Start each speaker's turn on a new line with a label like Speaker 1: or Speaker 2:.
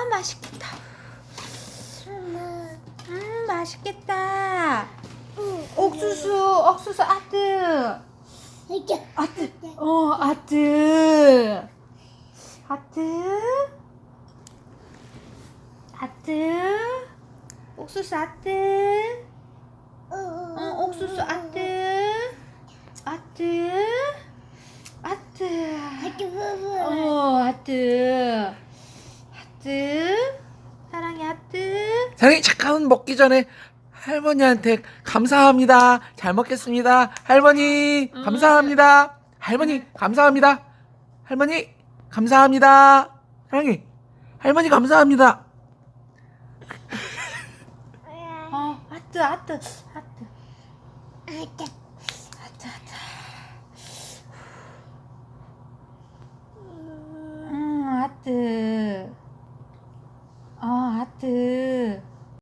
Speaker 1: 아, 맛있겠다. 맛있겠다. 옥수수 아트. 아트. 아트. 옥수수 아트. 옥수수 아트. 아트. 사랑해, 아트.
Speaker 2: 사랑이 잠깐 먹기 전에 할머니한테 감사합니다. 잘 먹겠습니다. 할머니 감사합니다. 할머니 감사합니다. 할머니 감사합니다. 사랑이 할머니 감사합니다.
Speaker 1: 아트. 아트. 아트.